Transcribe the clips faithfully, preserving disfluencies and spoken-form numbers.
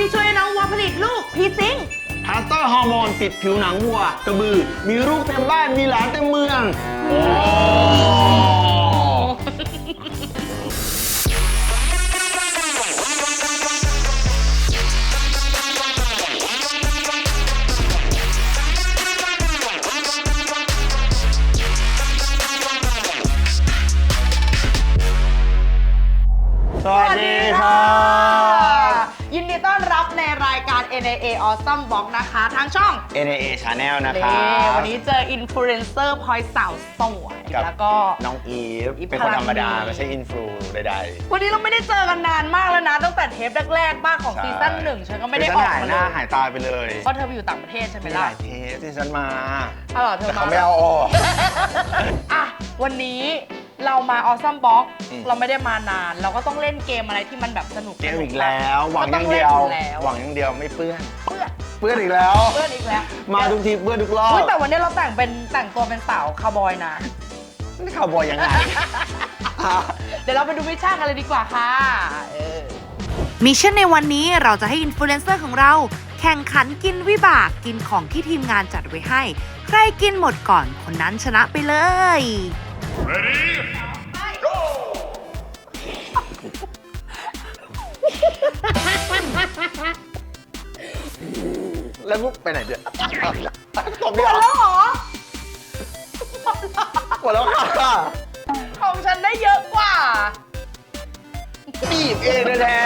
ที่ช่วยน้องวัวผลิตลูกพีซิงพาสเตอร์ฮอร์โมนติดผิวหนังวัวกระบือมีลูกเต็มบ้านมีหลานเต็มเมืองโอ้สวัสดีค่ะยินดีต้อนรับในรายการ เอ็น เอ เอ Awesome Box นะคะทางช่องเอ็น เอ เอ Channel นะคะวันนี้เจออินฟลูเอนเซอร์พลอยสาวสวยแล้วก็น้องอีฟเป็นคนธรรมดาไม่ใช่อินฟลูใดๆวันนี้เราไม่ได้เจอกันนานมากแล้วนะตั้งแต่เทปแรกๆบ้างของซีซั่นหนึ่งฉันก็ไม่ได้ออกมาเลยหน้าหายตาไปเลยเพราะเธอไปอยู่ต่างประเทศใช่ไหมล่ะหลายเทปที่ฉันมาเออเธอมาแต่เขาไม่เอาออกอ่ะวันนี้เรามา Awesome Box เราไม่ได้มานานเราก็ต้องเล่นเกมอะไรที่มันแบบสนุกเกมอีกแล้วหวังอย่างเดียวหวังอย่างเดียวไม่เปื้อนเปื้อนเปื้อนอีกแล้วเปื้อนอีกแล้วมาทุกทีเปื้อนทุกรอบแต่วันนี้เราแต่งเป็นแต่งตัวเป็นสาวคาวบอยนะนี่คาวบอยยังไงเดี๋ยวเราไปดูมิชชั่นกันเลยดีกว่าค่ะมิชชั่นในวันนี้เราจะให้อินฟลูเอนเซอร์ของเราแข่งขันกินวิบากกินของที่ทีมงานจัดไว้ให้ใครกินหมดก่อนคนนั้นชนะไปเลย Ready? Go! แล้วมุกไปไหนเดี๋ยวตบหมดแล้วเหรอหมดแล้วค่ะของฉันได้เยอะกว่าบีบเองแท้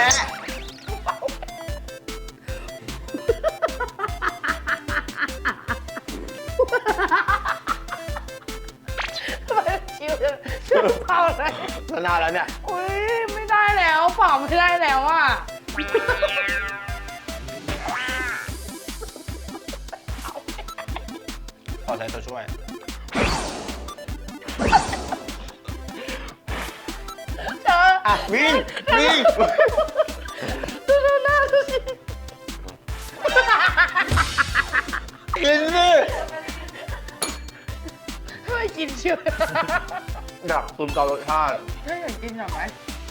ชิวชิวเผาเลยชนะแล้วเนี่ยอุ้ยไม่ได้แล้วเผาไม่ได้แล้วอ่ะขอใช้ตัวช่วยเธออ่ะวิ่งวิ่งดูดูหน้าดูสิกินสิไม่กินเชื่อดักตุนต่อรสชาติถ้าอยากกินหน่อยไหม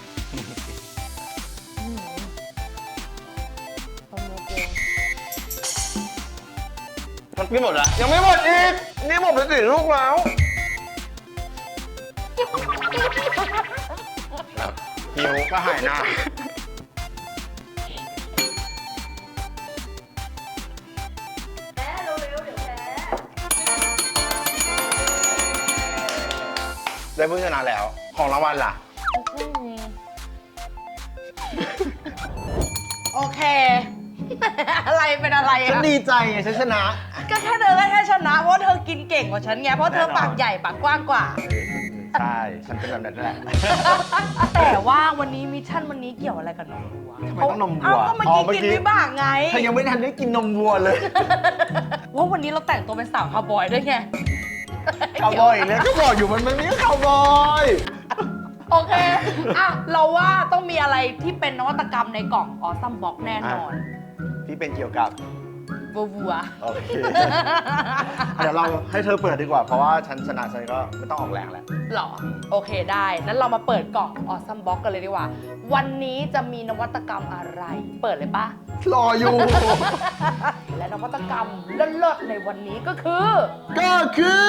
มันกินหมดแล้วยังไม่หมดอีกนี่หมดไปสี่ลูกแล้วหิวก็หายหน้าแพ้เร็วๆเดี๋ยวแพ้ได้ผู้ชนะแล้วของรางวัลล่ะโอเคอะไรเป็นอะไรอ่ะฉันดีใจไงฉันชนะก็แค่เธอแค่ชนะเพราะเธอกินเก่งกว่าฉันไงเพราะเธอปากใหญ่ปากกว้างกว่าใช่ฉันเป็นแบบนั้นแหละแต่ว่าวันนี้มิชชั่นวันนี้เกี่ยวอะไรกับนมวัวทำไมต้องนมวัวก็เมื่อกี้กินวิบากไงเธอยังไม่ทันได้กินนมวัวเลยว่าวันนี้เราแต่งตัวเป็นสาวคาวบอยด้วยไงคาวบอยเนี่ยก็บอกอยู่มันมันนี่คาวบอยโอเคอ่ะเราว่าต้องมีอะไรที่เป็นนวัตกรรมในกล่องออซัมบ็อกแน่นอนที่เป็นเกี่ยวกับวัวโอเคเดี๋ยวเราให้เธอเปิดดีกว่าเพราะว่าฉันชนะฉันก็ไม่ต้องออกแรงแล้วหรอโอเคได้นั้นเรามาเปิดกล่องออซัมบ็อกกันเลยดีกว่าวันนี้จะมีนวัตกรรมอะไรเปิดเลยปะรออยู่และนวัตกรรมเลิศๆในวันนี้ก็คือก็คือ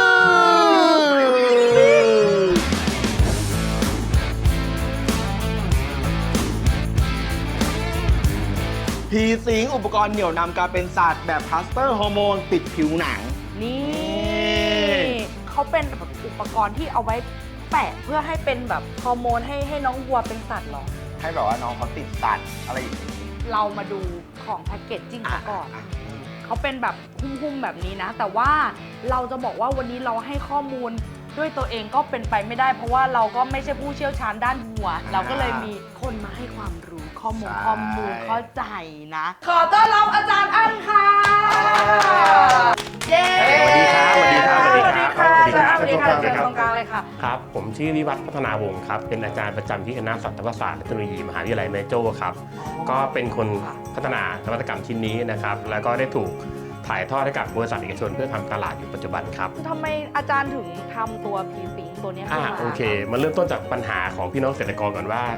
พีซิงอุปกรณ์เหนี่ยวนำการเป็นศาสตร์แบบพลาสเตอร์ฮอร์โมนติดผิวหนังนี่เขาเป็นแบบอุปกรณ์ที่เอาไว้แปะเพื่อให้เป็นแบบฮอร์โมนให้ให้น้องวัวเป็นสัตว์หรอให้แบบว่าน้องเขาติดสัตว์อะไรอย่างนี้เรามาดูของแพ็กเกจจิ้งก่อนเขาเป็นแบบหุ้มๆแบบนี้นะแต่ว่าเราจะบอกว่าวันนี้เราให้ข้อมูลด้วยตัวเองก็เป็นไปไม่ได้เพราะว่าเราก็ไม่ใช่ผู้เชี่ยวชาญด้านวัวเราก็เลยมีคนมาให้ความรู้ข้อมูลข้อมูลเข้าใจนะขอต้อนรับอาจารย์อั้นค่ะเย้สวัสดีครับสวัสดีครับสวัสดีค่ะสวัสดีค่ะเชิญตรงกลางเลยค่ะครับผมชื่อวิวัฒน์พัฒนาวงศ์ครับเป็นอาจารย์ประจำที่คณะสัตวศาสตร์และเทคโนโลยีมหาวิทยาลัยแม่โจ้ครับก็เป็นคนพัฒนานวัตกรรมชิ้นนี้นะครับแล้วก็ได้ถูกถ่ายทอดให้กับบริษัทเอกชนเพื่อทำตลาดอยู่ปัจจุบันครับทำไมอาจารย์ถึงทำตัวพีซิงตัวนี้ขึ้นมาโอเคมันเริ่มต้นจากปัญหาของพี่น้องเกษตรกรก่อนว่า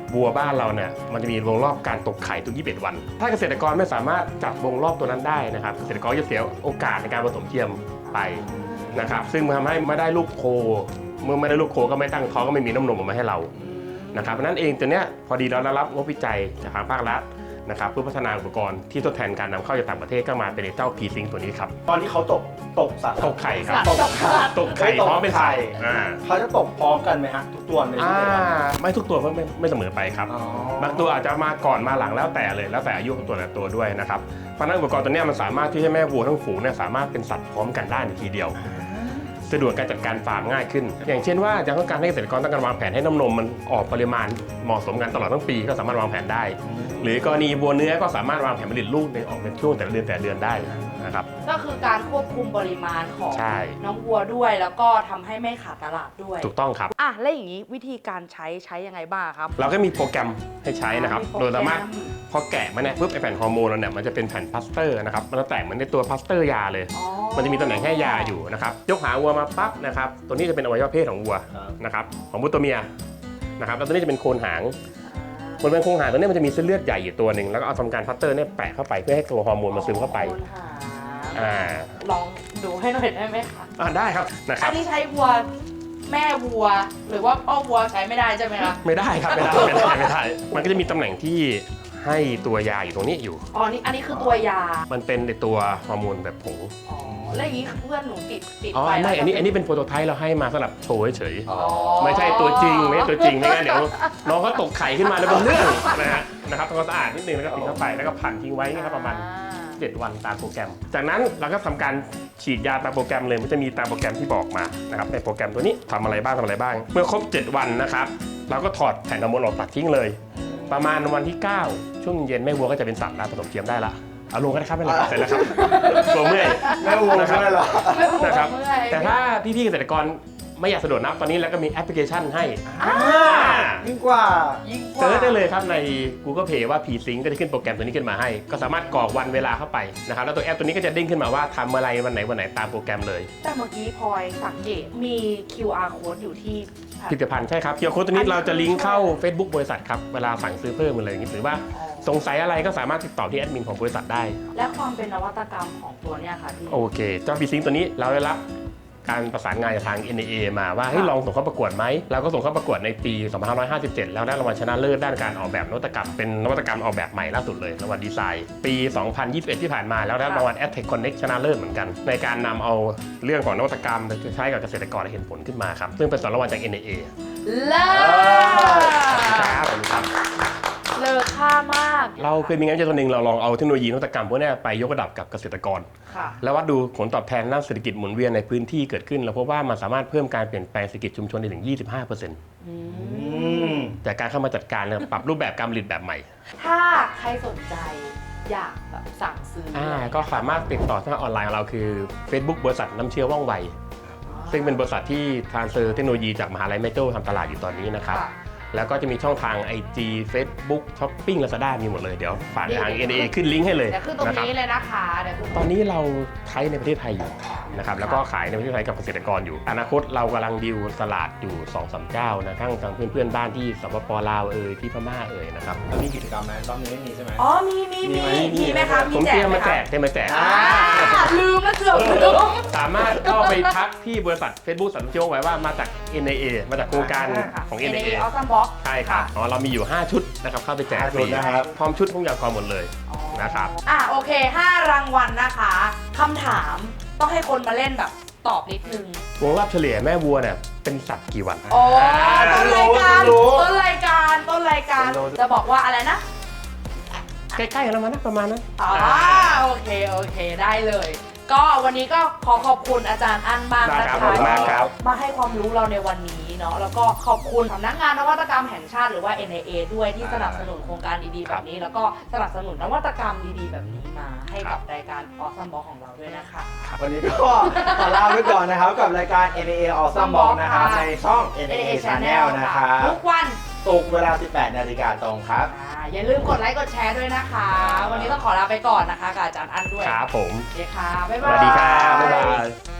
วัวบ้านเราเนี่ยมันจะมีวงรอบการตกไข่ทุกยี่สิบเอ็ดวัน ถ้าเกษตรกรไม่สามารถจับวงรอบตัวนั้นได้นะครับเกษตรกรจะเสียโอกาสในการผสมเทียมไปนะครับซึ่งมันทำให้ไม่ได้ลูกโคเมื่อไม่ได้ลูกโคก็ไม่ตั้งท้องก็ไม่มีน้ำนมออกมาให้เรานะครับเพราะนั้นเองตัวเนี้ยพอดีเราได้รับงบวิจัยจากทางภาครัฐนะครับเพื่อพัฒนาอุปกรณ์ที่ทดแทนการนำเข้าจากต่างประเทศก็มาเป็นเจ้าพีซิงตัวนี้ครับตอนที่เขาตกตกสัตว์ตกไข่ครับตกไข่ตกไข่พร้อมเป็นไข่ อ่าเขาจะตกพร้อมกันไหมฮะทุกตัวในอ่าที่เดียวกันไม่ทุกตัวไม่ไม่เสมอไปครับอ๋อบางตัวอาจจะมาก่อนมาหลังแล้วแต่เลยแล้วแต่อายุของตัวแต่ละตัวด้วยนะครับเพราะฉะนั้นอุปกรณ์ตัวเนี้ยมันสามารถที่ให้แม่วัวทั้งฝูงเนี่ยสามารถเป็นสัตว์พร้อมกันได้ในทีเดียวสะดวกการจัดการฟาร์มง่ายขึ้น อย่างเช่นว่าจะต้องการให้เกษตรกรต้องการวางแผนให้น้ำนมมันออกปริมาณเหมาะสมกันตลอดทั้งปีก็สามารถวางแผนได้ หรือกรณีวัวเนื้อก็สามารถวางแผนผลิตลูกในออกเป็นช่วงแต่ละเดือนแต่ละเดือนได้นะครับก็คือการควบคุมปริมาณของใช่น้องวัวด้วย แล้วก็ทำให้ไม่ขาดตลาดด้วยถูกต้องครับอ่ะแล้วอย่างนี้วิธีการใช้ใช้ยังไงบ้างครับเราก็มีโปรแกรมให้ใช้นะครับมีโปรแกรมโดยสามารถพอแกะมาเนี่ยปุ๊บไอแผ่นฮอร์โมนเราเนี่ยมันจะเป็นแผ่นพลาสเตอร์นะครับมันจะแตกเหมือนในตัวพลาสเตอร์ยาเลยอ๋อมันจะมีตำแหน่งให้ยาอยู่นะครับยกหางวัวมาปั๊บนะครับตัวนี้จะเป็นอวัยวะเพศของวัวนะครับของวัวตัวเมียนะครับแล้วตัวนี้จะเป็นโคนหางบนเป็นโคนหางตัวนี้มันจะมีเส้นเลือดใหญ่อยู่ตัวหนึ่งแล้วก็เอาทำการพลาสเตอร์เนี่ยแปะเข้าไปเพื่อให้ตัวฮอร์โมนมันซึมเข้าไปโคนหางอ่าลองดูให้หน่อยได้ไหมคะอ่าได้ครับนะคอัรันบนี้ใช้วัวแม่วัว หรือว่าพ่อวัวใช้ไม่ได้ใช่ไหมคะไม่ได้ครับไม่ได้ไม่ได้ไม่ได้มันก็จะมีตำแหน่งที่ให้ตัวยาอยู่ตรงนี้อยู่อ๋อนี่อันนี้คือตัวยามันเป็นในตัวฮอร์โมนแบบผงอ๋อแล้วอย่างนี้เพื่อนหนูติดติดอ๋อไปไม่แล้วอันนี้อันนี้เป็นโปรโตไทป์เราให้มาสำหรับโชว์เฉยๆอ๋อไม่ใช่ตัวจริงไม่ใช่ตัวจริงไม่งั้นเดี๋ยวน้องเขาตกไข่ขึ้นมาแล้วเป็นเรื่องนะฮะนะครับทำความสะอาดนิดนึงแล้วก็ปิดเข้าไปแล้วก็ผันทิ้งไว้นะครับประมาณเจ็ดวันตามโปรแกรม จากนั้นเราก็ทำการฉีดยาตามโปรแกรมเลยมันจะมีตามโปรแกรมที่บอกมานะครับในโปรแกรมตัวนี้ทำอะไรบ้างทำอะไรบ้าง เมื่อครบเจ็ดวันนะครับเราก็ถอดแผ่นฮอร์โมนออกตัดทิ้งเลย ประมาณวันที่เก้าช่วงเย็นแม่วัวก็จะเป็นสัตว์แล้วผสมเทียมได้ละเอาลงกันนะครับไม่เป็นไรเสร็จแล้วครับตัวเมื่อยแม่วัวใช่ไหมล่ะนะครับเมื่อยแต่ถ้าพี่ๆเกษตรกรไม่อยากสะดวกนับตอนนี้แล้วก็มีแอปพลิเคชันให้ยิ่งกว่ายิ่งกว่าเซิร์ชได้เลยครับใน Google Play ว่า P-Sync ก็จะขึ้นโปรแกรมตัวนี้ขึ้นมาให้ ก็สามารถกรอกวันเวลาเข้าไปนะครับแล้วตัวแอปตัวนี้ก็จะเด้งขึ้นมาว่าทำอะไรวันไหนวันไหนตามโปรแกรมเลยแต่เมื่อกี้พลอยสังเกตมี คิว อาร์ code อยู่ที่ผลิตภัณฑ์ใช่ครับเคียวโค้ดตัวนี้เราจะลิงก์เข้า Facebook บริษัทครับเวลาสั่งซื้อเพิ่มอะไรอย่างนี้หรือว่าสงสัยอะไรก็สามารถติดต่อที่แอดมินของบริษัทได้และความเป็นนวัตกรรมของตัวเนี้ยค่ะที่โอเคเจ้า P-Sync ตัวนี้เราได้รับการประสานงานจากทาง เอ็น เอ เอ มาว่าให้ยลองส่งเข้าประกวดไหมเราก็ส่งเข้าประกวดในปี สองพันห้าร้อยห้าสิบเจ็ด แล้วได้รางวัลชนะเลิศด้านการออกแบบนวัตกรรมเป็นนวัตกรรมออกแบบใหม่ล่าสุดเลยรางวัลดีไซน์ปี สองพันยี่สิบเอ็ด ที่ผ่านมาแล้วได้รางวัล Adtech Connect ชนะเลิศเหมือนกัน ในการนำเอาเรื่องของนวัตกรรมไปใช้กับเกษตรกรให้เห็นผลขึ้นมาครับซึ่งเป็นสองรางวัลจาก เอ็น เอ เอเลิศครับผมครับเลอค่ามากเราเคยมีงานวิจัยตัวหนึ่งเราลองเอาเทคโนโลยีนวัตกรรมพวกนี้ไปยกระดับกับเกษตรกรค่ะแล้ววัดดูผลตอบแทนด้านเศรษฐกิจหมุนเวียนในพื้นที่เกิดขึ้นเราพบว่ามันสามารถเพิ่มการเปลี่ยนแปลงเศรษฐกิจชุมชนได้ถึง ยี่สิบห้าเปอร์เซ็นต์อือืมมจากการเข้ามาจัดการเนี่ยปรับรูปแบบการผลิตแบบใหม่ถ้าใครสนใจอยากแบบสั่งซื้อออ่าก็สามารถติดต่อทางออนไลน์ของเราคือ Facebook บริษัทน้ำเชื้อว่องไว ซึ่งเป็นบริษัทที่ทรานสเฟอร์เทคโนโลยีจากมหาลัยแม่โจ้ทำตลาดอยู่ตอนนี้นะครับค่ะแล้วก็จะมีช่องทาง ไอ จี Facebook Shopping Lazada มีหมดเลยเดี๋ยวฝากทาง เอ็น เอ เอ ขึ้นลิงก์ให้เลยเดี๋ยวขึ้นตรงนะครับนี้เลยนะคะเดี๋ยวขึ้นตอนนี้เราใช้ในประเทศไทยอยู่นะครับแล้วก็ขายในประเทศไทยกับเกษตรกรอยู่ อนาคตเรากำลังดีลตลาดอยู่ สองสาม เจ้านะทั้งทางเพื่อนๆบ้านที่สปปลาวเอ่ยที่พม่าเอ่ยนะครับแล้วมีกิจกรรมไหมรอบนี้ไม่มีใช่ไหมอ๋อมีมีมีมีมีไหมคะผมมีแจเตรีกยมไหมมาแจคะกเตรียมมาแจกอ่าอ่าลืมแล้วเกือบลืมสามารถเข้าไปทักที่บริษัท Facebook สันเชียวไว้ว่ามาจาก เอ็น เอ เอ มาจากโครงการของเอ็เอ็นนเอเอเอเอออซัมบ็อกใช่ครับอ๋อเรามีอยู่ ห้า ชุดนะครับเข้าไปแจกฟรีห้าชุดนะครับพร้อมชุดทุกอย่างพร้อมหมดเลย นะครับอ่ะโอเคห้ารางวัลนะคะคำถามต้องให้คนมาเล่นแบบตอบนิดนึงวงรอบเฉลี่ยแม่วัวเนี่ยเป็นสัตว์กี่วันโอ้ต้นรายการรู้ต้นรายการต้นรายการรู้จะบอกว่าอะไรนะใกล้ๆกันแล้วมั้งนะประมาณนั้นอ๋อโอเคโอเคได้เลย ก็วันนี้ก็ขอขอบคุณอาจารย์อั้นมากได้นะครัคะบขอบคุณมากครับมาให้ความรู้เราในวันนี้เนาะแล้วก็ขอบคุณสำนักงานนวัตกรรมแห่งชาติหรือว่า เอ็น เอ เอ ด้วยที่สนับสนุนโครงการดีๆแบบนี้ แล้วก็สนับสนุนนวัตกรรมดีๆแบบนี้มาให้กับรายการ Awesome Box ของเราด้วยนะคะวันนี้ก็ขอลาไปก่อนนะครับกับรายการ เอ็น เอ เอ Awesome Box นะครับในช่อง เอ็น เอ เอ Channel นะครับทุกวันศุกร์เวลา สิบแปดนาฬิกาตรงครับอ่าอย่าลืมกดไลค์กดแชร์ด้วยนะคะ วันนี้ต้องขอลาไปก่อนนะคะกับอาจารย์อั้นด้วยครับผมโอเคค่ะบ๊ายสบายวัสดีครับบ๊ายบาย